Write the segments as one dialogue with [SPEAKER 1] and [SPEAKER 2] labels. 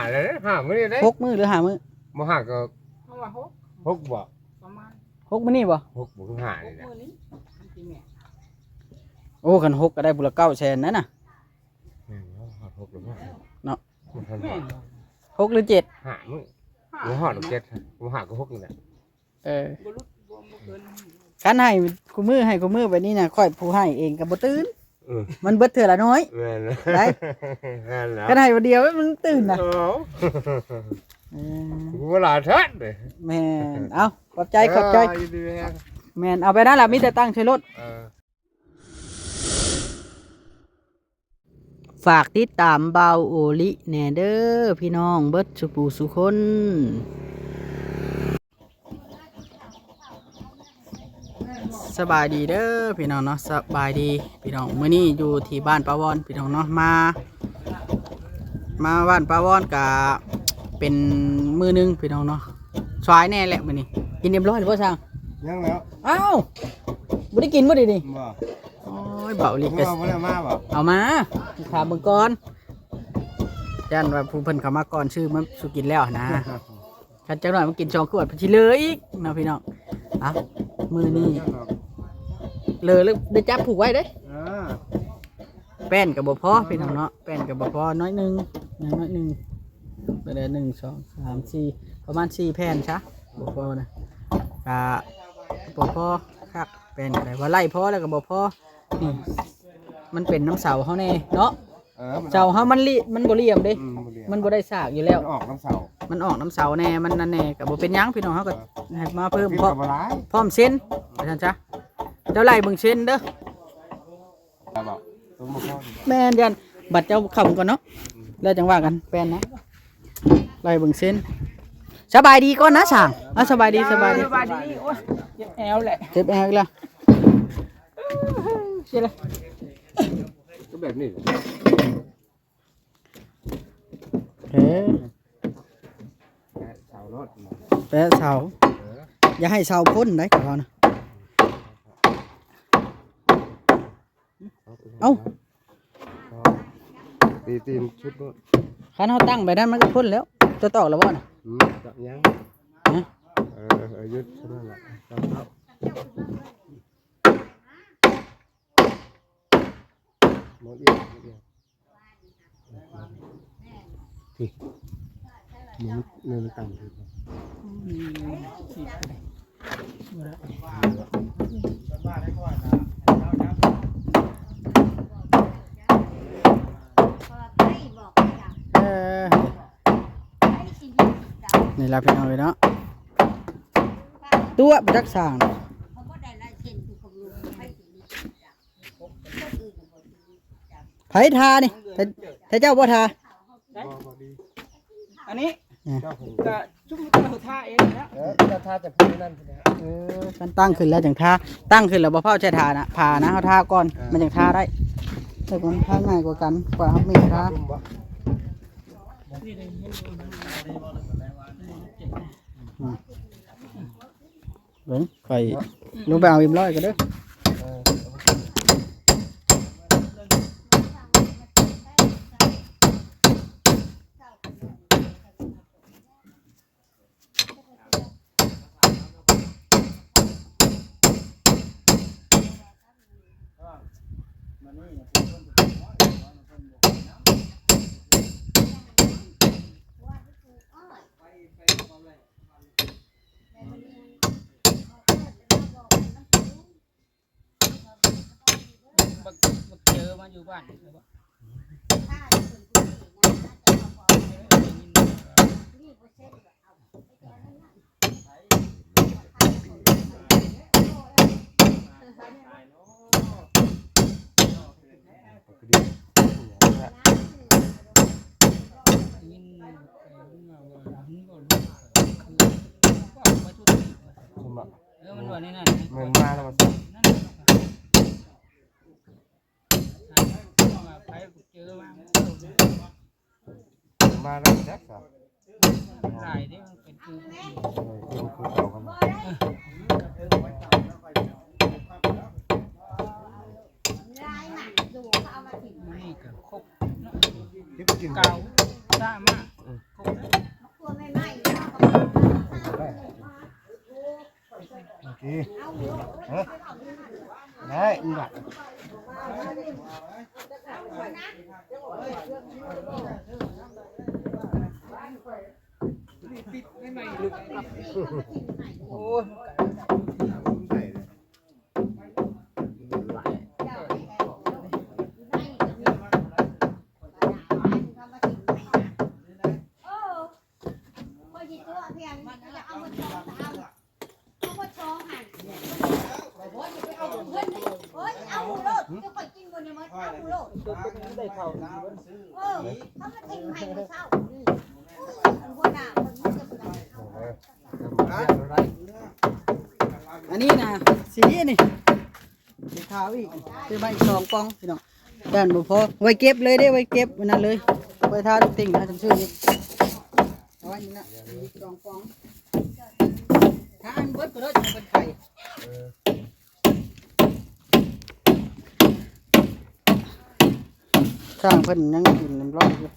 [SPEAKER 1] เลยห้ามื้อนี่ได้
[SPEAKER 2] 6 มื้อหรือ5 มื้อ
[SPEAKER 1] บ่ห้าก็
[SPEAKER 3] เพราะว่า
[SPEAKER 1] หกบ่
[SPEAKER 3] ประมาณ
[SPEAKER 2] 6 มื้อนี่บ่
[SPEAKER 1] หกบ่ถึงห้านี่แหละ
[SPEAKER 3] มื้อนี้มันสิแม่
[SPEAKER 2] โอ้คัน6ก็ได้บุละ900,000นั่นน่ะ
[SPEAKER 1] หกหรือห้า
[SPEAKER 2] เนาะ
[SPEAKER 3] แม่
[SPEAKER 2] 6หรือ7
[SPEAKER 1] ห้ามื้อบ่ฮอดเจ็ดบ่ห้าก็หกนี่แหละ
[SPEAKER 3] บ่รู้บ่เกิน
[SPEAKER 2] คันให้กูมือให้กูมือไปนี่น่ะค่อยผู้ให้เองก็บ่ตื่น
[SPEAKER 1] เออ
[SPEAKER 2] มันเบิดเทื่อละน้อย
[SPEAKER 1] แม่น
[SPEAKER 2] ได้
[SPEAKER 1] แม่นแล้ว
[SPEAKER 2] คันให้วันเดียวมันตื่นน่ะ
[SPEAKER 1] โอ้
[SPEAKER 2] เออ
[SPEAKER 1] เวลาทัดเลย
[SPEAKER 2] แม่นเอาขอบใจขอบใจ
[SPEAKER 1] ดีๆฮะ
[SPEAKER 2] แม่นเอาไปนั่นล่ะมีแต่ตั้งใช้รถฝากติดตามเบาโอลิแหน่เด้อพี่น้องเบิดสุปูสุคนสบายดีเด้อพี่น้องเนาะสบายดีพี่น้องมื้อนี้อยู่ที่บ้านป้าวอนพี่น้องเนาะมาบ้านป้าวอนก็เป็นมื้อนึงพี่น้องเนาะสายแน่แหละมื้อนี้กินเรียบร้อยหรือบ่ช่าง
[SPEAKER 1] ยังแล้ว
[SPEAKER 2] อ้าวบ่ได้กินบ่ดิ
[SPEAKER 1] บ่
[SPEAKER 2] โอ้ยเบาลิก
[SPEAKER 1] บ่ได้มาบ่
[SPEAKER 2] เอามาถามเบิ่งก่อนยันว่าผู้เพิ่นเข้ามาก่อนชื่อมันสุกินแล้วนะคันจังหน่อยมันกิน2 ขวดสิเหลืออีกนะพี่น้องเอ้ามื้อนี้เหลือแล้วได้จับผูกไว้เด้แป้นก็บ่พอพี่น้องเนาะแป้นก็บ่พอน้อยนึงอย่างน้อยนึงไปได้1 2 3 4ประมาณ4แผ่นซะบ่พอนะก็บ่พอคักแป้นก็ได้ว่าไล่พอแล้วก็บ่พอนี่มันเป็นน้ำเสาเฮาแน่เนาะเสาเฮามันบ่เหลี่ยมเด้มันบ่ได้สากอยู่แล้ว
[SPEAKER 1] ออกน้ำเสา
[SPEAKER 2] มันออกน้ำเสาแน่มันนั่นแน่ก็บ่เป็นหยังพี่น้องเฮาก็ให้มาเพิ่ม
[SPEAKER 1] กิน
[SPEAKER 2] พร้อ
[SPEAKER 1] กั
[SPEAKER 2] ม
[SPEAKER 1] บอะไร
[SPEAKER 2] พร้อมเส้นว่าซั่นซะเจ้าไล่เบิ่งเส้นเด้อ
[SPEAKER 1] บ่ตัวบ่พอ
[SPEAKER 2] แม่นยันบัดเจ้าเข้าก่อนเนาะแล้วจังว่ากันแป้นนะไล่เบิ่งเส้นสบายดีก่อนนะช่างสบายดีสบายดี
[SPEAKER 3] สบายดีโอ้ยเจ็บแอวแหละ
[SPEAKER 2] เจ็บแอวอีกแล้วเสียเลย
[SPEAKER 1] ก็แบบนี้
[SPEAKER 2] เฮ้
[SPEAKER 1] เสารถ
[SPEAKER 2] แปะเสาอย่าให้เสาพ่นได้กับเรานะเอ้า
[SPEAKER 1] ตีนชุดรถ
[SPEAKER 2] คันเฮาตั้งไปนั้นมันก็พ่นแล้วจะตอกแล้วบ่น่ะ
[SPEAKER 1] จับยัง
[SPEAKER 2] ฮะ
[SPEAKER 1] ยึดเท่านั้นแหละหมดเอียที่มันต่ำที่
[SPEAKER 2] นี่ล่ะพี่น้องเลยเนาะตัวประจักษ์สร้างไผทานี่แต่เจ้าบ่ทา
[SPEAKER 3] อันนี้
[SPEAKER 1] เจ้าผม
[SPEAKER 3] ก็จุ่มเราท่าเองนะ
[SPEAKER 1] เจ้าท่าจะพูดนั่น
[SPEAKER 2] มันตั้งขึ้นแล้วจังทาตั้งขึ้นแล้วบ่เผาใช้ทานะผ่านะเฮาทาก่อนมันจังทาได้แต่มันทาง่ายกว่ากันกว่าเฮามีทาเบิ่งไปลงไปเอาอิ่มร้อยกันเด้อ
[SPEAKER 3] เจอมาอยู่บ้านมันว่านี่นั่น
[SPEAKER 1] มันมาแล้วมา
[SPEAKER 3] ไปเจอมา
[SPEAKER 1] แล้วแจ็คครับ
[SPEAKER 3] หลายเด้มันเป็นคือ
[SPEAKER 1] คือเก่ากันมา
[SPEAKER 3] นี่ก็ครบ
[SPEAKER 1] ที่กิน
[SPEAKER 3] เก่าซ่ามากครบ
[SPEAKER 1] ได้บัตร
[SPEAKER 3] โอ้ย
[SPEAKER 1] ได้เข้า
[SPEAKER 2] อันนี้นะสีนี่สีขาวอีกซื้อมาอีก2 ปองพี่น้องด้านบ่พอไว้เก็บเลยได้ไว้เก็บวันนั้นเลยไว้ทาลูกติ่งนะจำชื่อนี่เอาไว้นี่นะอีก2 ปองถ้าอันเบิดก็เลยจะเป็นไข่ช่างเพิ่นยังกินเรียบร้อยอยู่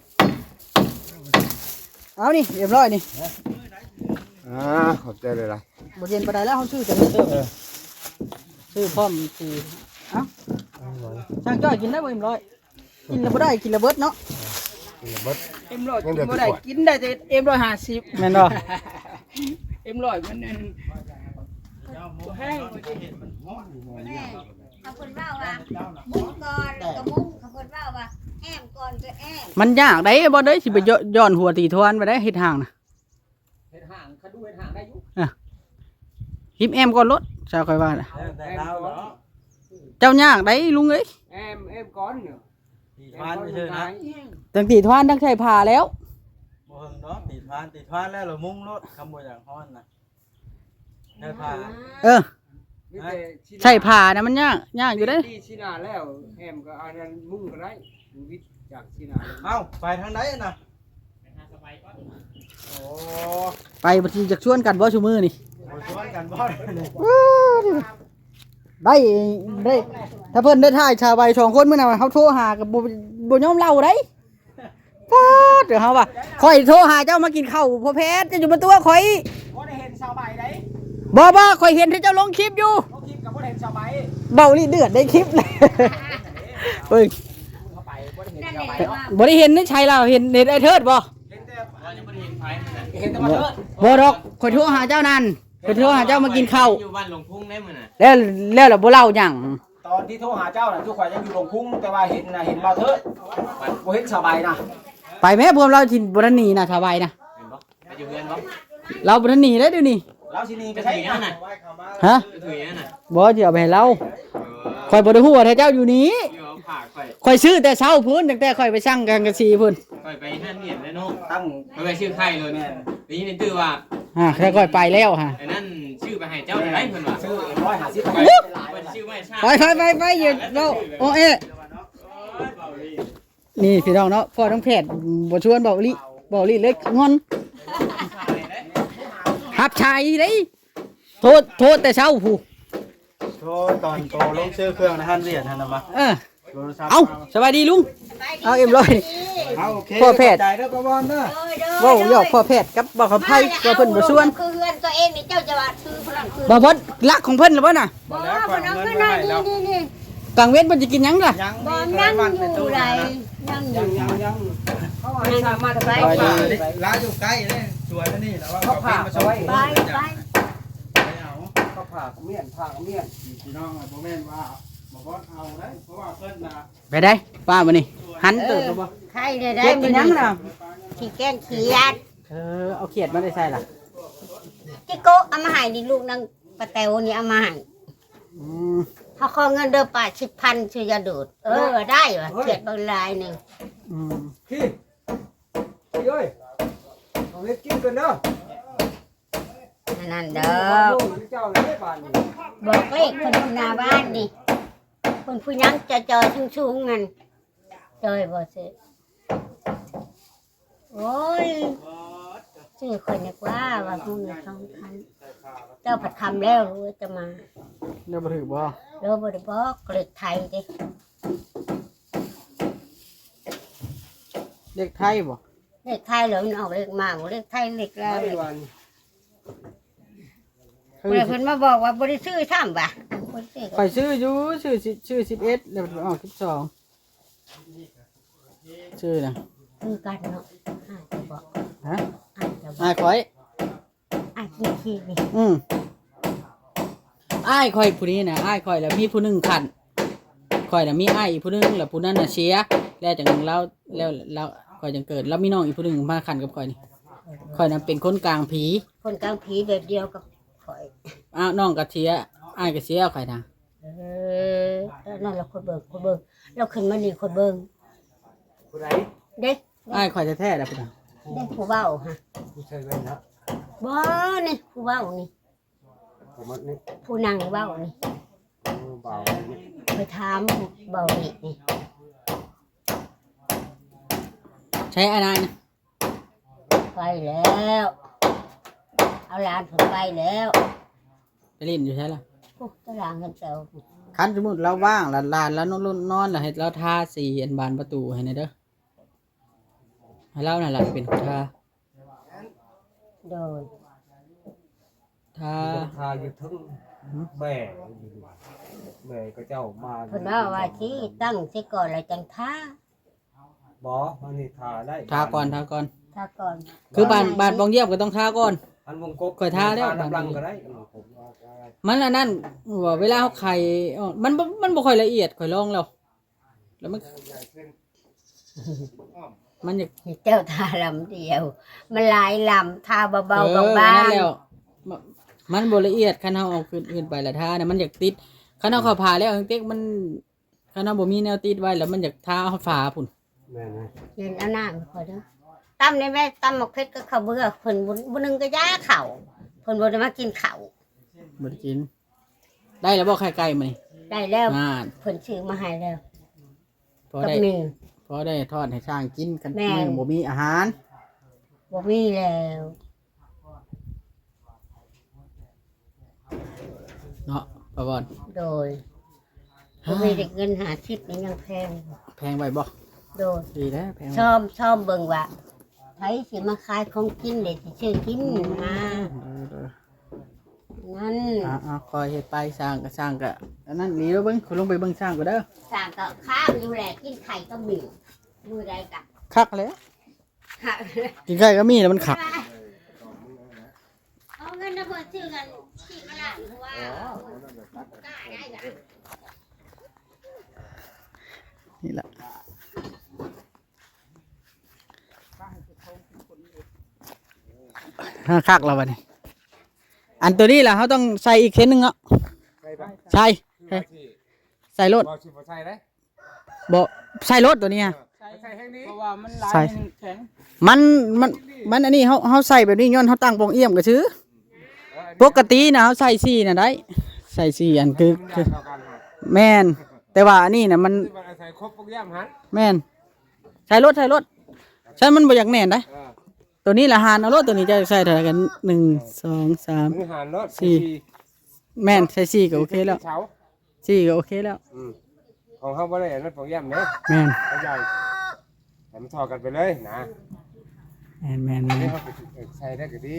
[SPEAKER 2] เอานี่เรียบร้อยนี่
[SPEAKER 1] ขอบใจเลยล่ะ
[SPEAKER 2] บ่เย็นปานใดแล้วเขาซื้อจะซื้อพร้อมสิเอ้าช่างจ้อยกินได้บ่เอ็มร้อยกินแล้วบ่ได้กินแล้วเบิดเนาะ
[SPEAKER 1] เบิด
[SPEAKER 3] เอ็มร้อยกินบ่ได้กินได้แต่เอ็ม150
[SPEAKER 2] แม่นบ่
[SPEAKER 3] เอ็มร้อยมันนั่นแห้ง
[SPEAKER 4] เขาคนว่ามุ้งก่อนแล้วก็มุ้งเขาคนว่าแอมก่อนก็แอม
[SPEAKER 2] มันยากได้บ่ได้สิไปย้อนหัวตีทวนไปได้เฮ็ดห่างน่ะ
[SPEAKER 3] เฮ็ดห่างเขาดูเฮ็ดห่างได้อยู่
[SPEAKER 2] หิมแอมก่อนรถชาวค่อยว่าน่ะ
[SPEAKER 1] แต่เราเนาะ
[SPEAKER 2] เจ้ายากได้ลุงเอ้ย
[SPEAKER 3] เอ็มก่อนเนี่ย
[SPEAKER 1] ตีทานเฉยๆนะ
[SPEAKER 2] ตั้งตีทวนตั้งใช้ผ้าแล้ว
[SPEAKER 1] บ่เฮิงเนาะตีทานแล้วเรามุ่งรถคำบ่อย่างฮ้อนน่ะได้พา
[SPEAKER 2] เออใช้ผ้านะมันยากอยู่เด้
[SPEAKER 3] ที่ชินาแล้วแอมก็อันนั้นมุ่งก็ได้วิทย์จากชินา
[SPEAKER 1] เอ้าไปทางไหนน่ะโอ้
[SPEAKER 2] ไปบ่สิจักชวนกันบ่ซุมื้อนี่
[SPEAKER 1] บ่ชวนกันบ่นี่
[SPEAKER 2] ได้ถ้าเพิ่นได้ถ่ายชาวใบ2 คนมื้อน่ะเฮาโทรหาก็บ่ยอมเล่าได้ฟาดเดี๋ยวเฮาว่าข่อยโทรหาเจ้ามากินข้าวพ่อแพทย์จะอยู่บนตัวข่อย
[SPEAKER 3] บ่ได้เห็นชาวใบได้
[SPEAKER 2] บ่ข่อยเห็นที่เจ้าลงคลิปอยู่
[SPEAKER 3] เขาคิดกับบ่ได้เห็นชาวใบ
[SPEAKER 2] เบาลี่เดือดได้คลิปเลยเฮ้ย
[SPEAKER 3] เข้าไปบ่ได้เห็น
[SPEAKER 4] นั่น
[SPEAKER 3] ชาว
[SPEAKER 4] แห
[SPEAKER 3] ใบ
[SPEAKER 4] ละว่า
[SPEAKER 2] บ่ได้เห็นนี่ชัยเราเห็นไอ้เทิดบ่
[SPEAKER 3] เห็นแต่ว่ายังบ่ได้เห็นไผเห็นแต่ว่าเถิด
[SPEAKER 2] บ่ดอกข่อยโทรหาเจ้านั่นข่อยโทรหาเจ้ามากินข้าว
[SPEAKER 5] อยู่บ้านหลวงพุ่งได้มื้อน่ะ
[SPEAKER 2] แล้วล่ะบ่เล่าหยัง
[SPEAKER 3] ตอนที่โทรหาเจ้าน่ะทุกคนยังอยู่ลงพุ่งแต่ว่าเห็นน่ะเห็นบ่เถิดบ่เห็นชาวใบนะ
[SPEAKER 2] ไปแม่พวกเราที่บ่ทันหนีน่ะสบายนะ
[SPEAKER 5] เห็นบ่ไปอยู่เฮือนบ่
[SPEAKER 2] เราบ่ทันหนีเด้อเดี๋ยวนี้
[SPEAKER 3] เราสิหนีไป
[SPEAKER 5] ไป
[SPEAKER 3] ใช้
[SPEAKER 5] ถือ
[SPEAKER 3] นั่
[SPEAKER 5] นั่
[SPEAKER 3] น
[SPEAKER 5] น
[SPEAKER 3] น่ะ
[SPEAKER 5] น่ะ
[SPEAKER 2] ฮะ
[SPEAKER 5] ไปถือนั่นน่ะ
[SPEAKER 2] บ่สิเอาไปให้เรา
[SPEAKER 5] เออ
[SPEAKER 2] ข่อยบ่ได้ฮู้ว่าถ้าเจ้าอยู่นี้
[SPEAKER 5] อยู่เอาผ้าข่อย
[SPEAKER 2] ข่อยซื้อแต่เช้าพุ่นตั้งแต่ข่อยไปสั่งกันกะสีพุ่น
[SPEAKER 5] ข่อยไปห้านเมียนแล้วเนาะ
[SPEAKER 3] ตั้ง
[SPEAKER 5] ไปชื่อไข่เลยแม่นได้ยินตื้อว่า
[SPEAKER 2] ถ้าข่อยไปแล้วฮะ
[SPEAKER 5] ไอ้นั่นชื่อไปให้เจ้าได้เพิ่นว่า
[SPEAKER 3] ซื้อ150
[SPEAKER 5] ไป
[SPEAKER 3] ไป
[SPEAKER 5] ไปชื่อไม่ชา
[SPEAKER 2] ไปอย่าเว้าโอ้เอ๊ะนี่พี่น้องเนาะพ่อทั้งแพทย์บ่ชวนเบาลี่เลยงอนหับชายเด้โทษแต่เช้าผู้
[SPEAKER 1] โทรตอนโตลงซื้อเครื่องในฮันเวียดหั่นน่ะมา โทรศัพท์
[SPEAKER 2] เอาสบายดีลุง เอาเอ็มร้อย
[SPEAKER 1] เอาโอเค
[SPEAKER 2] พ่อแพทย์
[SPEAKER 1] ใจเด้อประวอนเด้อ
[SPEAKER 2] เว้าหยอกพ่อแพทย์กับบ่เขาไผว่าเพิ่นบ่ชวน
[SPEAKER 4] คือเฮือนตัวเองนี่เจ้าจะว่าคือพลังคือ
[SPEAKER 2] บ่เพิ่นรักของเพิ่นหรือบ่น่ะ
[SPEAKER 4] บ่พลังคือนั่นนี่
[SPEAKER 2] กลางเว้นเพิ่นสิกินหยังล่ะ
[SPEAKER 1] ยัง
[SPEAKER 4] บ่
[SPEAKER 1] มี
[SPEAKER 4] นั่ง
[SPEAKER 1] วัน
[SPEAKER 4] อ
[SPEAKER 1] เป็น
[SPEAKER 4] ยู่
[SPEAKER 1] ตู้
[SPEAKER 4] ไร
[SPEAKER 1] นะ
[SPEAKER 4] นั่งอยู่
[SPEAKER 3] ยังเขาว่าสามารถ
[SPEAKER 4] ไป
[SPEAKER 3] ได้
[SPEAKER 1] ร้านอยู่ใกล้เลยสวยนะนี่แล้วว่า
[SPEAKER 3] เขาผ่า
[SPEAKER 1] มา
[SPEAKER 3] เอาไว้
[SPEAKER 4] ไปไป
[SPEAKER 1] เอา
[SPEAKER 3] เขาผ่าเมียนผ่าเมียน
[SPEAKER 1] พี่น้องบ่แม่นว่าบ่บ่เอาได้เพราะว่าเพิ่นน่ะ
[SPEAKER 2] ไปได้ป้าบ่นี่หันเติบบ่
[SPEAKER 4] ใครได้ได้
[SPEAKER 2] เก็บกินหยังน่ะ
[SPEAKER 4] ที่แกงเขียด
[SPEAKER 2] เอาเขียดมาได้ใส่ล่ะ
[SPEAKER 4] จิโกเอามาให้นี่ลูกนางปะแตวนี่เอามาให้
[SPEAKER 2] อืม
[SPEAKER 4] เขาขอเงินเดือน80,000ชื่อยาดูดได้ว่ะเขียดบางลายนึง
[SPEAKER 2] อืม
[SPEAKER 3] พี่เอ้ยเอาเฮ็ดกินกันเด้อ
[SPEAKER 4] นั่นเด้อ
[SPEAKER 3] เจ้าเลยบ้านนี้
[SPEAKER 4] บอกเลขคนหน้าบ้านนี่คนผู้ยังจะจอยชุ่งๆนั่นจอยบ่สิโอ้ยชื่อคนนึกว่าพวกนี้2,000เจ้าผัดคำแล้วรู้จะมา
[SPEAKER 2] เดี๋ยวบ่ถือบ่
[SPEAKER 4] เราบ่ได้บอกเลขไทยเด้
[SPEAKER 2] เด็กไทยบ่
[SPEAKER 4] เลขไทยเหรอมันออกเลขมาบ่เลขไทยเลขลาว
[SPEAKER 3] ไม่วัน
[SPEAKER 4] เพิ่นมาบอกว่าบ่ได้ซื้อซ้ำบ่ะคนเด็ก
[SPEAKER 2] ข่อยซื้ออยู่ชื่อ11แล้วออก12ชื่อน่ะ
[SPEAKER 4] คือกันเนาะอาจจะบอก
[SPEAKER 2] ฮะ
[SPEAKER 4] อาจจะบอก
[SPEAKER 2] อ้ายข่อย
[SPEAKER 4] อาจจะขี้นี่
[SPEAKER 2] อ้ายข่อยผู้นี้น่ะอ้ายข่อยแล้วมีผู้หนึงขันข่อยน่ะมีอ้ายอีกผู้หนึงแล้วผู้นั้นน่ะเสียแล้วจากนั้นแล้วข่อยจังเกิดแล้วมีน้องอีกผู้หนึงมาขันกับข่อยนี่ข่อยน่ะเป็นคนกลางผี
[SPEAKER 4] คนกลางผีแบบเดียวกับข่อย
[SPEAKER 2] น้องก็เสียอ้ายก็เสียข่อยน่ะ
[SPEAKER 4] แล้วนั่นเราคนเบิ่งเราขึ้นมานี่คนเบิ่ง
[SPEAKER 3] ผู้ใด
[SPEAKER 4] เด็ก
[SPEAKER 2] อ้ายข่อยแท้ๆแล้วพุ่นน่ะ
[SPEAKER 4] เด็กผู้เว้าฮะ
[SPEAKER 3] ผู้ชายแว่นนะ
[SPEAKER 4] บ่นี่ผู้เว้านี่
[SPEAKER 3] ผมว่านี่
[SPEAKER 4] ผู้นั่งเว้านี่
[SPEAKER 3] เบานี่
[SPEAKER 4] ไปถามผู้เว้านี่นี่
[SPEAKER 2] ใช้อะไรนะ
[SPEAKER 4] ไปแล้วเอาหลานผมไปแล้ว
[SPEAKER 2] ไปเล่นอยู่ใช่ล่ะ
[SPEAKER 4] พวกตารางกันเจ้า
[SPEAKER 2] คันสมมุติเราว่างหลานแล้วนอนแล้วให้เราทาสีอันบานประตูให้หน่อยเด้อให้เราน่ะล่ะเป็นคนทา
[SPEAKER 4] โดย
[SPEAKER 2] ทา
[SPEAKER 3] ทาอยู่ทั้งแม่แม่ก็เจ้ามา
[SPEAKER 4] เพิ่นว่าว่าสิตั้งสิก่อนแล้วจังท่า
[SPEAKER 3] บ่มันนี่ทาได้
[SPEAKER 2] ทาก่อน
[SPEAKER 4] ท่าก่อน
[SPEAKER 2] คือบานปองเยี่ยมก็ต้องทาก่อน
[SPEAKER 3] อันวงกบ
[SPEAKER 2] ข่อยทาแล้ว
[SPEAKER 3] น้ำลังก็ได้ผมว่าได้
[SPEAKER 2] มันอันนั้นว่าเวลาเขาไข่มันบ่ค่อยละเอียดข่อยลองแล้วมันอยาก
[SPEAKER 4] เจ้าทาลำเดียว มันหลายลำทาเบาๆบาง
[SPEAKER 2] นั่นแล้วมันบ่ละเอียดคันเฮาเอาขึ้นไปละทาเนี่ยมันอยากติดคันเฮาเข้าผ่าแล้วจังติ๊กมันคันเฮาบ่มีแนวติดไว้แล้วมันอยากทาเอาฝาพุ่น
[SPEAKER 3] แม่นะ
[SPEAKER 4] ๆยืนเอาหน้ามาพอเด้อตำได้แม่ตำหมกเพชรก็ข้าวเบื่อเพิ่นบ่นึงก็ย่าข้าวเพิ่นบ่ได้มากินข้าว
[SPEAKER 2] บ่ได้กินได้แล้วบ่ไข่ไก่มื้อนี้
[SPEAKER 4] ได้แล้ว
[SPEAKER 2] อ่า
[SPEAKER 4] เพิ่นซื้อมาให้แล้ว
[SPEAKER 2] พอ
[SPEAKER 4] กับ
[SPEAKER 2] ได้
[SPEAKER 4] หนึ่ง
[SPEAKER 2] พอได้ทอดให้ช้างกินกัน
[SPEAKER 4] แม่
[SPEAKER 2] มื้อบ่มีอาหาร
[SPEAKER 4] บ่มีแล้ว
[SPEAKER 2] เนาะป้าบอน
[SPEAKER 4] โดยบ่มีแต่เงิน50นี่ยังแพง
[SPEAKER 2] แพงไว้บ่
[SPEAKER 4] โดย
[SPEAKER 2] ดีแล้วแพงไว้
[SPEAKER 4] ชอบเบิ่งว่าไผสิมาขายของกินเด็ดสิซื้อกินมานั่น
[SPEAKER 2] คอยเฮ็ดไปสร้างก็อันนั้นดีแล้วเบิ่งคุณลงไปเบิ่งสร้างก็เด้อ
[SPEAKER 4] สั่งก็ข้ามอยู่แหละกินไข่ก็มีมือใดกะ
[SPEAKER 2] คักแล้วกินไก่ก็มีแล้วมันขัก
[SPEAKER 4] เอาเงินนะเพิ่นซื้อกันที่กระดาษเพราะว่ากล้าได้กะ
[SPEAKER 2] นี่แหละคักแล้วบัดนี้อันตัวนี้ล่ะเขาต้องใส่อีกเส้นหนึงเนาะใส่ใส่รถ
[SPEAKER 3] บ่สิบ่ใส่ได้
[SPEAKER 2] บ่ใส่รถตัวนี้ฮะ
[SPEAKER 3] ใส่แห้งนี้
[SPEAKER 1] เพราะว่ามันหลาย
[SPEAKER 2] ใส่
[SPEAKER 1] แข็ง
[SPEAKER 2] มันอันนี้เขาใส่แบบนี้ย้อนเขาตั้งปองเอี่ยมก็ซื้อปกตินะเขาใส่ซี่น่ะได้ใส่ซี่อันคือแม่นแต่ว่าอันนี้น่ะมัน
[SPEAKER 3] ใส่ครบทุกอย่างหัน
[SPEAKER 2] แม่นใส่รถใส่มันบ่อยากแน่นได้ตัวนี้ละหานเอารถตัวนี้จะใส่เท่าไหร่กัน1 2 3
[SPEAKER 3] มือหันรถ
[SPEAKER 2] แม่นใส่ซี่ก็โอเคแล้ว
[SPEAKER 3] เช้า
[SPEAKER 2] ซี่ก็โอเคแล้ว
[SPEAKER 3] ของเขาบ่ได้อันนั้นของย่ำเด้
[SPEAKER 2] แม่น
[SPEAKER 3] เขาใหญ่แต่มันถอดกันไปเลยนะ
[SPEAKER 2] แม่น
[SPEAKER 3] นี่เขาใส่ได้ก็ดี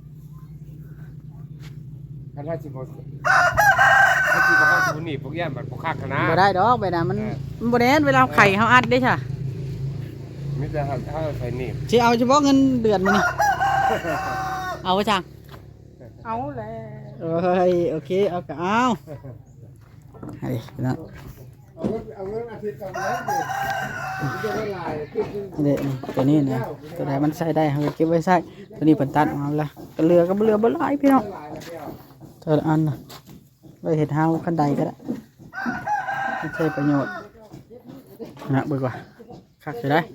[SPEAKER 3] คันว่าสิบ่ถ้าสิบ่เข้าศูนย์นี่พวกย่ำมันบ่คักนะ
[SPEAKER 2] บ่ได้ดอกไปนะมันบ่แน่นเวลาไข่เขาอัดได้ใช่
[SPEAKER 3] มีแต่เขาใส่หนีบ
[SPEAKER 2] สิเอาเฉพาะเงินเดือนมื้อนี้เอาไว้จัง
[SPEAKER 1] เอาแหละ
[SPEAKER 2] เอ้ยโอเคเอาก็เอาให้นะ
[SPEAKER 3] เอาเงินอาทิตย์ก่อนเลยมันจะได้ลายขึ้น
[SPEAKER 2] นี่ตัวนี้นะตัวไหนมันใส่ได้เราก็เก็บไว้ใส่ตัวนี้เพิ่นตัดออกมาแล้วก็เรือบ่หลายพี่น้องตัวละอันน่ะไว้เฮ็ดเฮาคันใดก็ได้ไม่ใช่ประโยชน์นะเบิ่งว่าคักสิได้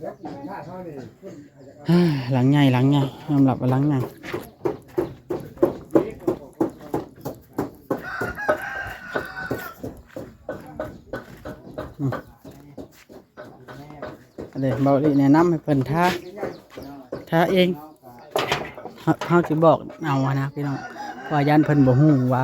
[SPEAKER 2] หลังใหญ่ยอมรับว่าหลังใหญ่เดี๋ยวเบาลีแนะนำให้เพิ่นท่าเองเขาสิบอกเอานะพี่น้องว่ายันเพิ่นบ่ฮู้ว่า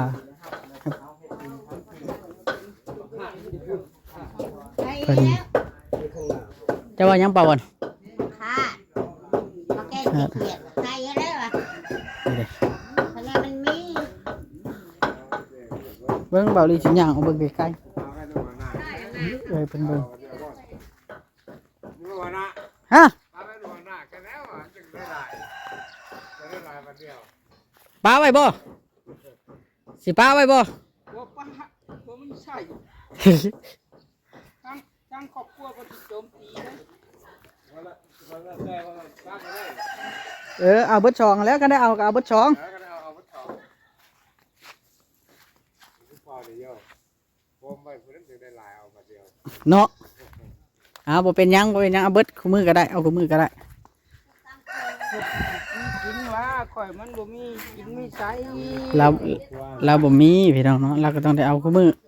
[SPEAKER 2] เพิ่นจะว่าหยังเปล่าบ่น
[SPEAKER 4] ค่ะมาแก้ขี้เกียจใส่แล้วอ่ะ
[SPEAKER 2] นี่เด้
[SPEAKER 4] เพราะว่ามันมี
[SPEAKER 2] เวบิ่งเบาลีสิย่างเอาเบิ่งใกล้ๆเอ้ยเพิ่นเบิ่งฮะป้าไว้บ่สิป้าไว้บ่
[SPEAKER 6] บ่ปะบ่มันใช่ทั้งครอบครัวก็สิโจมตีนะ
[SPEAKER 2] เอาเบิดช่องแล้วก็ได้เอาเบิดช่องเนาะบ่เป็นหยังเอาเบิดคู่มือก็ได้เอาคู่มือก็ได้
[SPEAKER 6] กินว่าข่อยมันบ่มีกินมีใช้
[SPEAKER 2] เราบ่มีพี่น้องเนาะเราก็ต้องได้เอาคู่มือ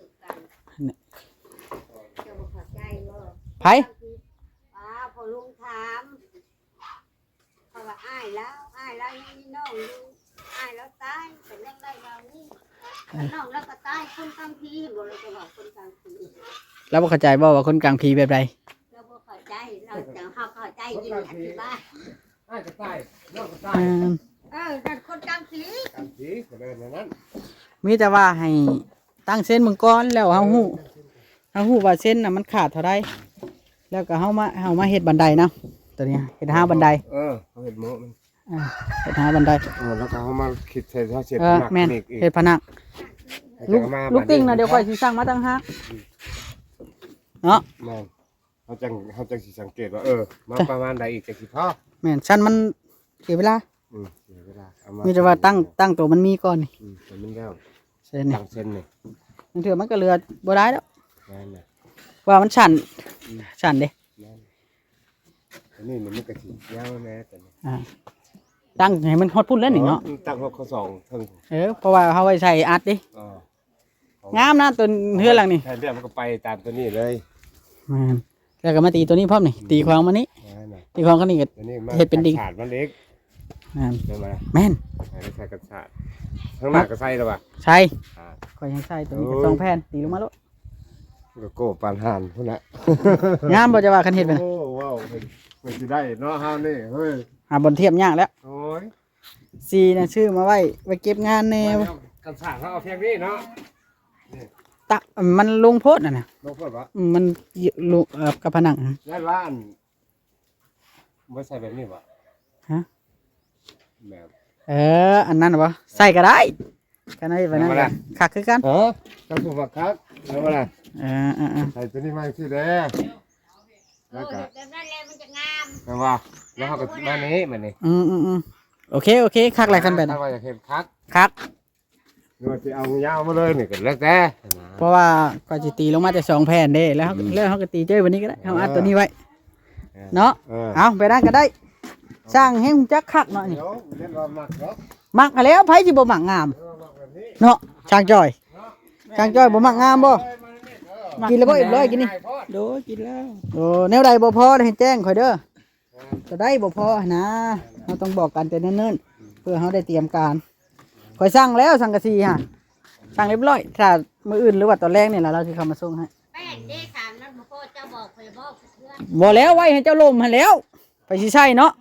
[SPEAKER 2] ไผ
[SPEAKER 4] พอลุงถามเขาว่าอ้ายแล้วยังมีน้องอยู่อ้ายแล้วตายเป็นยังไงเรานี่น้องแล้วก็ตายคนกลางพีบ่เลยจะบอกคนกลางพี
[SPEAKER 2] เราบ่เข้าใจบ่ว่าคนกลางผีแบบใด
[SPEAKER 4] เราบ่เข้าใจเราจะเข้าใจยินอธิบาย
[SPEAKER 3] อ้ายก็ตายน้องก็ตาย
[SPEAKER 4] แต่คนกลางพี
[SPEAKER 3] กันสิก็เลยนั้น
[SPEAKER 2] มีแต่ว่าให้ตั้งเส้นมึงก่อนแล้วเฮาฮู้ว่าเส้นน่ะมันขาดเท่าใดแล้วก็เฮามาเฮ็ดบันไดนะตัวนี้เฮ็ดหาบันได
[SPEAKER 3] เขาเห็นโมมัน
[SPEAKER 2] เฮ็ดหาบันได
[SPEAKER 3] แล้วก็เขามาคิดใส่ท่อเช็ด
[SPEAKER 2] แม่นเฮ็ดผนังลูกติ้งนะเดี๋ยวค่อยสิสั่งมาตั้งหากเนาะ
[SPEAKER 3] แม่นเขาจังสิสังเกตว่ามาประมาณใดอีกจะสิพอ
[SPEAKER 2] แม่นชั้นมันเสียเวลา
[SPEAKER 3] เสียเวลาเอา
[SPEAKER 2] มีแต่ว่าตั้งตัวมันมีก่อนนี่
[SPEAKER 3] แต่มันแล้ว
[SPEAKER 2] เส้นนี่
[SPEAKER 3] ตั้งเส้นนี่
[SPEAKER 2] บางเทื่อมันก็เหลือบ่ได้แล้ว
[SPEAKER 3] แม่นน่ะ
[SPEAKER 2] ว่ามันชันเด้
[SPEAKER 3] แม่นอันนี้มันก็สิยาวแม่แต่นี่
[SPEAKER 2] ตั้งให้มันฮอดพุ่นแล้วนี่เนาะ
[SPEAKER 3] ตั้งข้อสองเพิ่ง
[SPEAKER 2] เพราะว่าเฮาไว้ใส่อัดดิงามนะตัวเฮือนหลังนี่
[SPEAKER 3] แทนเรื่องมันก็ไปตามตัวนี้เลย
[SPEAKER 2] แม่นแล้วก็มาตีตัวนี้พร้อมนี่ตีควางมานี้
[SPEAKER 3] แม่นน่ะ
[SPEAKER 2] ตีควางก็นี่ก็
[SPEAKER 3] ตัวนี้มา
[SPEAKER 2] เฮ็ดเป็นดิ่ง
[SPEAKER 3] ขาดมันเล็ก
[SPEAKER 2] แม่น
[SPEAKER 3] ใช่ไหม
[SPEAKER 2] แม่น
[SPEAKER 3] ใส่กระชาดข้างหน้าก็ใส่แล้วป่ะ
[SPEAKER 2] ใช่ข่อยยังใส่ตัวนี้ก็2แผ่นตีลงมาโลด
[SPEAKER 3] ก็โก้ปานห่านพุ่นน่ะ
[SPEAKER 2] งามบ่จะว่าคันเฮ็ดไปนะ
[SPEAKER 3] โอ้ว้าวมันสิได้เนาะเฮานี่เฮ้ย
[SPEAKER 2] หาบนเทียบยากแล้ว
[SPEAKER 3] โอ้ย
[SPEAKER 2] สีน่ะชื่อมาไว้เก็บงานแนว
[SPEAKER 3] กระชาดเขาเอาเพียงนี้เนาะ
[SPEAKER 2] มันลงโพดน่ะนะ
[SPEAKER 3] ลงเพิ่นว่า
[SPEAKER 2] มันลงกับผนัง
[SPEAKER 3] ได้ว่าอันบ่ใส่แบบนี้บ่
[SPEAKER 2] ฮะ
[SPEAKER 3] แบบ
[SPEAKER 2] อันนั้นบ่ใส่ก็ได้กันได้ไปนั่นคักคือกัน
[SPEAKER 3] ก็ถูกว่าครับแล้วว่าล่ะ ใส่ตัวนี้มาสิเด้อแล้วก็
[SPEAKER 4] แบบนั้นแหละมันจะงาม
[SPEAKER 3] แปลว่าแล้วเฮาก็มานี้มานี่
[SPEAKER 2] โอเคคักหลายกันไป
[SPEAKER 3] ถ้า
[SPEAKER 2] นะ
[SPEAKER 3] ว่าอยากเห็นคัก
[SPEAKER 2] คัก
[SPEAKER 3] หรือว่าสิเอายาวมาเลยนี่ก็แล้วแต่
[SPEAKER 2] เพราะว่าก็สิตีลงมาแต่2แผ่นเด้แล้วเฮาก็ตีเจ้ยวันนี้ก็ได้เฮาอัดตัวนี้ไว้เนาะเอาไปนั่นก็ได้สร้างให้ฮู้จักคักเนาะนี่
[SPEAKER 3] เดี๋ยวเล่นว่ามักเนาะ
[SPEAKER 2] มักแล้วไผสิบ่มักงาม
[SPEAKER 3] มักแบบนี้
[SPEAKER 2] เนาะช่างจ้อยบ่มักงามบ่กินแล้วบ่เอ็มร้อยกินนี่โดกินแล้วโอ้แนวใดบ่พอให้แจ้งข่อยเด้อจะได้บ่พอนะเราต้องบอกกันแต่เนิ่นๆเพื่อเฮาได้เตรียมการข่อยสั่งแล้วสังกะสีฮะสั่งเรียบร้อยถ้ามื้ออื่นหรือว่าตอนแรกนี่ล่ะเราสิเข้ามาส่งให้
[SPEAKER 4] แป้งเด้ถามนั้นบ่พอเจ้าบอกข่อยบอกเพื่อน
[SPEAKER 2] บ่แล้วไว้ให้เจ้าลมให้แล้ว ไปสิใช้เนาะ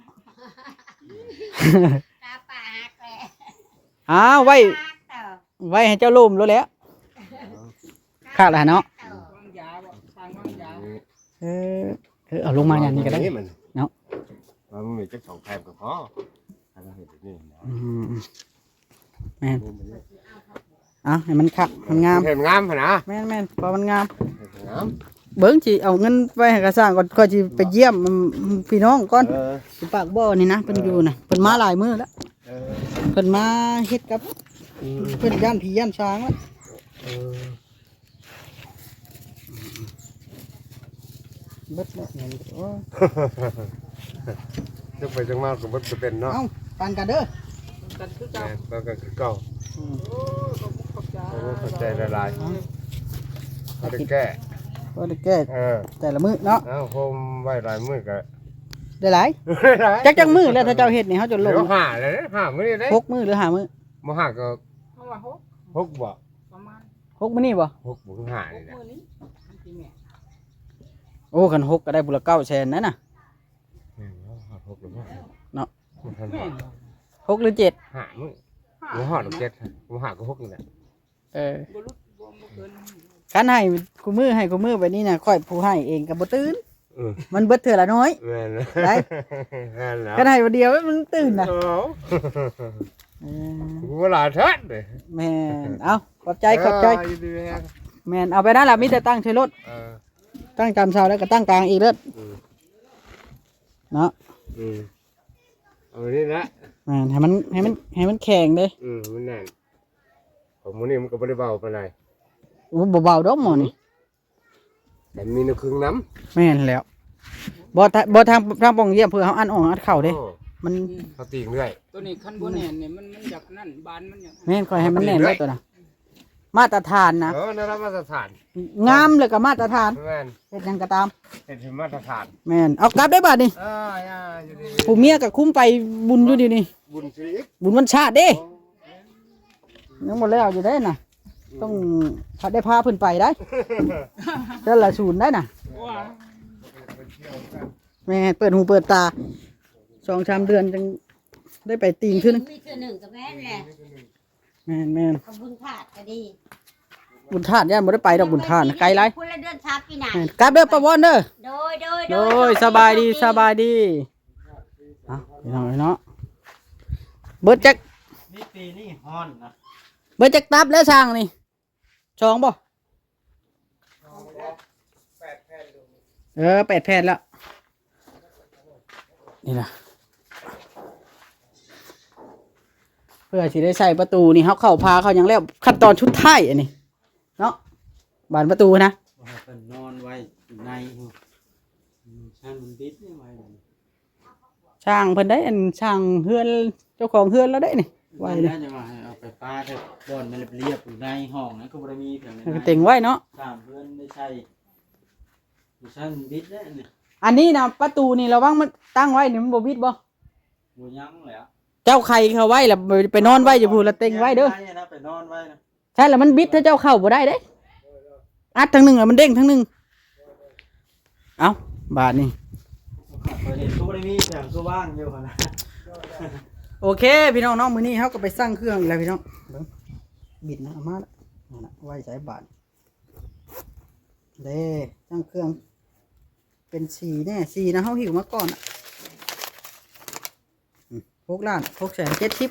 [SPEAKER 4] ตาปากแหละ
[SPEAKER 2] ไว้
[SPEAKER 4] ปากเต่า
[SPEAKER 2] ไว้ให้เจ้าลมแล้วแหล้วคักแล้วเนาะ
[SPEAKER 6] วางยาบ่สร้างวางยา
[SPEAKER 2] เอาลงมาอย่างนี้ก็ได้
[SPEAKER 3] มัน
[SPEAKER 2] เนาะ
[SPEAKER 3] มันมีจัก2แผ่นก็พอถ้าเราเห็นแบบนี้นะ
[SPEAKER 2] แม่นให้มันคักมันงาม
[SPEAKER 3] เห็นงามหั่นนะ
[SPEAKER 2] แม่นเพราะมันงาม
[SPEAKER 3] เห็นงาม
[SPEAKER 2] เบิ่งสิเอาเงินไว้ให้กระสร้างก่อนก็สิไปเยี่ยมพี่น้องก่อนสิปากบ่อนี่นะเพิ่นอยู่น่ะเพิ่นมาหลายมื้อแล้วเพิ่นมาเฮ็ดกับเพิ่นย่านผีย่านช้างแล้วเบิดแล้วเงินโอ้
[SPEAKER 3] จังไปจังมาก็บ่จะเป็นเนาะ
[SPEAKER 2] เอ้าปานกันเด้อ
[SPEAKER 6] กันคือเจ้า
[SPEAKER 3] แม่นก็คือเก่า
[SPEAKER 6] โอ้ขอบคุณเจ้า
[SPEAKER 3] โอ้เข้าใจหลายๆเอาได้แก้
[SPEAKER 2] บ่ได้แก้แต่ละมื้อเนาะ
[SPEAKER 3] โฮมไว้หลายมื้อก็
[SPEAKER 2] ได้หลายจักมื้อแล้วถ้าเจ้าเฮ็ดนี่เฮาจะล
[SPEAKER 3] เดี๋
[SPEAKER 2] ง
[SPEAKER 3] ยวหาเลย5มื้อได้
[SPEAKER 2] 6มื้อหรือ5มื้อ
[SPEAKER 3] บ่หาก็
[SPEAKER 6] เพราะว่า
[SPEAKER 3] 6
[SPEAKER 6] 6
[SPEAKER 3] บ่
[SPEAKER 6] ประมาณ
[SPEAKER 2] 6มื้อนี่บ่
[SPEAKER 3] 6บ่หานี่นะ
[SPEAKER 6] มื้อนี้มันสิแม่
[SPEAKER 2] โอ้คัน6ก็ได้บุละ900,000นั่นน่ะ
[SPEAKER 3] 6หรือบ่
[SPEAKER 2] เนาะ
[SPEAKER 6] แม่นบ่
[SPEAKER 2] 6หรือ7
[SPEAKER 3] หามื้อบ่หาดอก7บ่หาก็6นี่แหละ
[SPEAKER 6] บ่รู้บ่บ่เกิน
[SPEAKER 2] คันให้กูมือให้กูมือไปนี่น่ะค่อยผู้ให้เองก็บ่ตื่น
[SPEAKER 7] อืม
[SPEAKER 2] มันเบิดเทื่อละน้อย
[SPEAKER 7] แม่น
[SPEAKER 2] ได้
[SPEAKER 7] แม่นแล้ว
[SPEAKER 2] คันให้บ่เดียวมันตื่นน่ะ
[SPEAKER 7] โอ้
[SPEAKER 2] เออ
[SPEAKER 7] กูว่าหลายทัดเลย
[SPEAKER 2] แม่นเอาขอบใจขอบใจ
[SPEAKER 7] อยู่ดีแฮะ
[SPEAKER 2] แม่นเอาไปนั่นล่ะมีแต่ตั้งใช้รถ
[SPEAKER 7] เออ
[SPEAKER 2] ตั้งจำเช้าแล้วก็ตั้งกลางอีกเด้อ
[SPEAKER 7] อืม
[SPEAKER 2] เนาะ
[SPEAKER 7] เอาไปนี่ละ
[SPEAKER 2] แม่นให้มันแข็งเด้
[SPEAKER 7] มันแน่นผมมื้อนี้มันก็บ่ได้เบาปานใด
[SPEAKER 2] โอ้เบาๆดอกหมอนี่
[SPEAKER 7] แต่มีน้ำครึ่งน้
[SPEAKER 2] แม่นแล้วบ่ทางป่องเยี่ยมเพื่อเฮาอันออกอัดเข้า
[SPEAKER 7] ำ
[SPEAKER 2] เด้
[SPEAKER 7] โอ้
[SPEAKER 2] มัน
[SPEAKER 7] เขาตีงเรื่อย
[SPEAKER 6] ตัวนี้คันบ่แน่นเนี่ยมันอยากนั่นบานมันอยาก
[SPEAKER 2] แม่นค่อยให้มันแน่นไว้ตัวน่ะมาตรฐานนะ
[SPEAKER 7] นั่นละมาตรฐาน
[SPEAKER 2] งามเลยก็มาตรฐาน
[SPEAKER 7] แม่น
[SPEAKER 2] เฮ็ดหยังก็ตาม
[SPEAKER 7] เป็นที่มาตรฐาน
[SPEAKER 2] แม่นเอากลับได้บาดนี่
[SPEAKER 7] อยู่ดี
[SPEAKER 2] ผู้เมียก็คุ้มไปบุญอยู่ดีนี่
[SPEAKER 7] บุญชีวิต
[SPEAKER 2] บุญวันชาติเด้ยังหมดแล้วอยู่ได้น่ะ ต้องได้พาเพิ่นไปได้เจ้าละศูนย์ได้น่ะ
[SPEAKER 6] ว่า
[SPEAKER 2] แม่เปิดหูเปิดตา2-3 เดือนจึงได้ไปตีนขึ้นง
[SPEAKER 4] มีเทื่อหนึ่งก็แม่นแหละ
[SPEAKER 2] แม่น
[SPEAKER 4] ขอบคุญขาดก็ดี
[SPEAKER 2] บุญธาตุย่านบ่ได้ไปดอกบุญธาตุน่ะไกลหลาย
[SPEAKER 4] คนละเดือนชาปีหน้า
[SPEAKER 2] แม่นกลับเด้อป้าวอนเด้อ
[SPEAKER 4] โดย
[SPEAKER 2] สบายดีสบายดีเอาพี่น้องเนาะเบิดจัก
[SPEAKER 1] นี่ปีนี่ฮ้อนนะ
[SPEAKER 2] เบิดจักตับแล้วช่างนี่ช่องบ่8 แผ่นแล้วนี่ล่ะเพื่อสิได้ใส่ประตูนี่เฮาเข้าพาเขายังแล้วขั้นตอนชุดท้ายอันนี้เนาะบานประตูนะ
[SPEAKER 1] ว่าให้เพิ่นนอนไว้อยู่ในช่างมันบิดนี่ไว้เลย
[SPEAKER 2] ช่างเพิ่นได้อันช่างเฮือนเจ้าของเฮือนแล้วได้นี่ไว้
[SPEAKER 1] ไว้
[SPEAKER 2] เลย
[SPEAKER 1] นะจะว่าให้เอาไปปาเถอะบ่อนมันเรียบๆอยู่ในห้องนะก็บ่ได้มีเพียงใน
[SPEAKER 2] แล้วก็เต็งไว้เนาะ
[SPEAKER 1] ตามเพื่อนได้ใช้อยู่ช่างบิดแล้วเนี่ย
[SPEAKER 2] อันนี้นะประตูนี่ระวังมันตั้งไว้นี่มันบ่บิดบ่
[SPEAKER 1] บ่ยั้งแล้ว
[SPEAKER 2] เจ้าใครเขาไว้แล้วไปนอนไว้อยู่พูนแล้วเต็งไว้เด้อ
[SPEAKER 1] นะไปนอนไว้นะ
[SPEAKER 2] ใช่แล้วมันบิดถ้าเจ้าเข้าบ่ได้เด้อัดทั้งหนึงแล้วมันเด้งทั้งหนึงเอ้าบาทนี่
[SPEAKER 1] เปิดเห็นก็บ่ได้มีเพียงก็ว่างอยู่หั่นนะ
[SPEAKER 2] โอเคพี่น้องเนาะมื้อนี้เฮาก็ไปสร้างเครื่องอีกแล้วพี่น้องเบิ่งบิดนะเอามาละนั่นน่ะไว้ใส่บาทเด้สร้างเครื่องเป็นสีแน่สีนะเฮาหิวมาก่อนอ่ะ6,670,000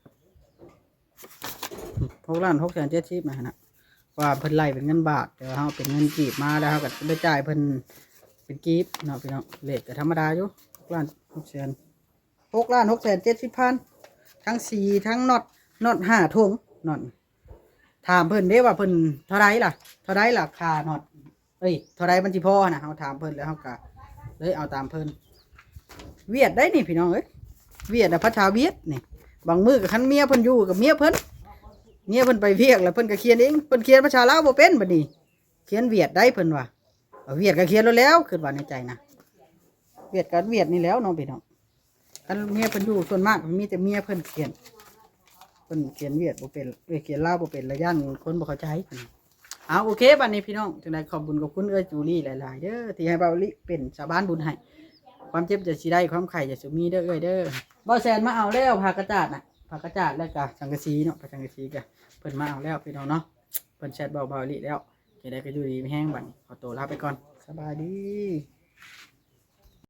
[SPEAKER 2] 6,670,000นะฮะว่าเพิ่นไล่เป็นเงินบาทแต่ว่าเฮาเป็นเงินกีบมาแล้วเฮาก็ได้จ่ายเพิ่นเป็นกีบเนาะพี่น้องเลขก็ธรรมดาอยู่6,670,000ทั้งสีทั้งน็อต5ถุงน็อตถามเพิ่นเด้ว่าเพิ่นเท่าไรล่ะค่าน็อตเท่าไรมันสิพอนะเฮาถามเพิ่นแล้วเฮาก็เลยเอาตามเพิ่นเวียดได้นี่พี่น้องเอ้ยเวียดน่ะภาษาเวียดนี่บางมื้อก็คันเมียเพิ่นอยู่กับเมียเพิ่นไปเวียกแล้วเพิ่นก็เขียนเองเพิ่นเขียนภาษาลาวบ่เป็นบัดนี้เขียนเวียดได้เพิ่นว่าเอาเวียดก็เขียนแล้วคิดว่าในใจนะเวียดก็เวียดนี่แล้วน้องพี่น้องคันเมียเพิ่นอยู่ส่วนมากมีแต่เมียเพิ่นเขียนเวียดบ่เป็นเขียนลาวบ่เป็นระย่านคนบ่เข้าใจเพิ่นเอาโอเคบัดนี้พี่น้องจังได๋ขอบคุณกับคุณจูลี่หลายๆเด้อที่ให้เบาลิเป็นชาวบ้านบุญให้ความเจ็บจะสิได้ความไข้จะสิมีเด้อเด้อบ่แซนมาเอาแล้วผ้ากระจาดน่ะผ้ากระจาดแล้วก็สังกะสีเนาะผ้าสังกะสีก็เพิ่นมาเอาแล้วพี่น้องเนาะเพิ่นแชทเบาลิแล้วจะได้ก็อยู่ดีไม่แห้งบัดนี้ขอตัวลาไปก่อนสบายดี